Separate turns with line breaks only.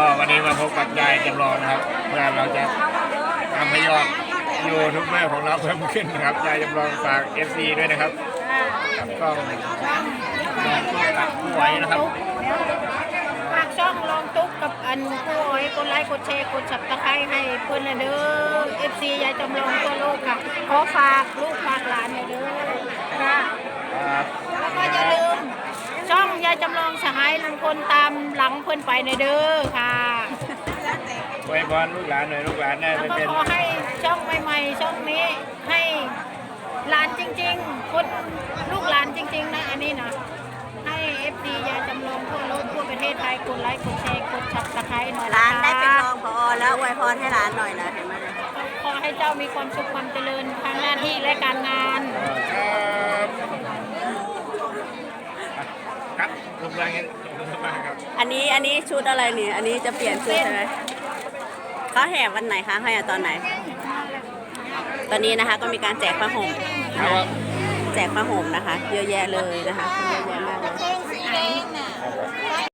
ก็วันนี้มาพบกับยายจำลองนะครับเมื่อเราจะทำให้ยอดยูทูบเบอร์ของเราเพิ่มขึ้นนะครับยายจำลองฝาก FC ด้วยนะครับก็ตัดผู้ไหวนะครับ
ฝากช่องลองตุ๊กกับอันผู้อ้อยกดไลค์กดแชร์กดสับตะไคร้ให้เพื่อนนะเด้อ FC ยายจำลองตัวโลกค่ะขอฝากลูกฝากหลานนะเด้อค่ะแล้วก็อย่าลืมช่องยายจำลองสหายลุงพลตามหลังเพื่อนไปนะเด้อค่ะ
อวยพรลูกหลานหน่อยลูกหลานได้
แล้ว
ไป
ก็
เป็น
ขอให้ช่องใหม่ๆช่องนี้ให้หลานจริงๆคนลูกหลานจริงๆนะอันนี้นะให้ FC ยายจำลองทั่วโลกทั่วประเทศไทยกดไลค์กดแชร์กดสับตะไคร้หน่อย
ร้าน
นะคะ
ได้เป็นรองผอแล้วอวยพรให้ร้านหน่อยนะเห็นไหมเนี่ย
ขอให้เจ้ามีความสุขความเจริญทางหน้าที่และการงาน
ครับลูกหลานเงี้ยขอบคุณมากครับ
อันนี้ชุดอะไรเนี่ยอันนี้จะเปลี่ยนชุดใช่ไหมเขาแห่วันไหนคะให้ตอนไหน ตอนนี้นะคะก็มีการแจกผ้าห่มนะคะแจกผ้าห่มนะคะ เยอะแยะเลยนะคะเยอะแยะมากเลย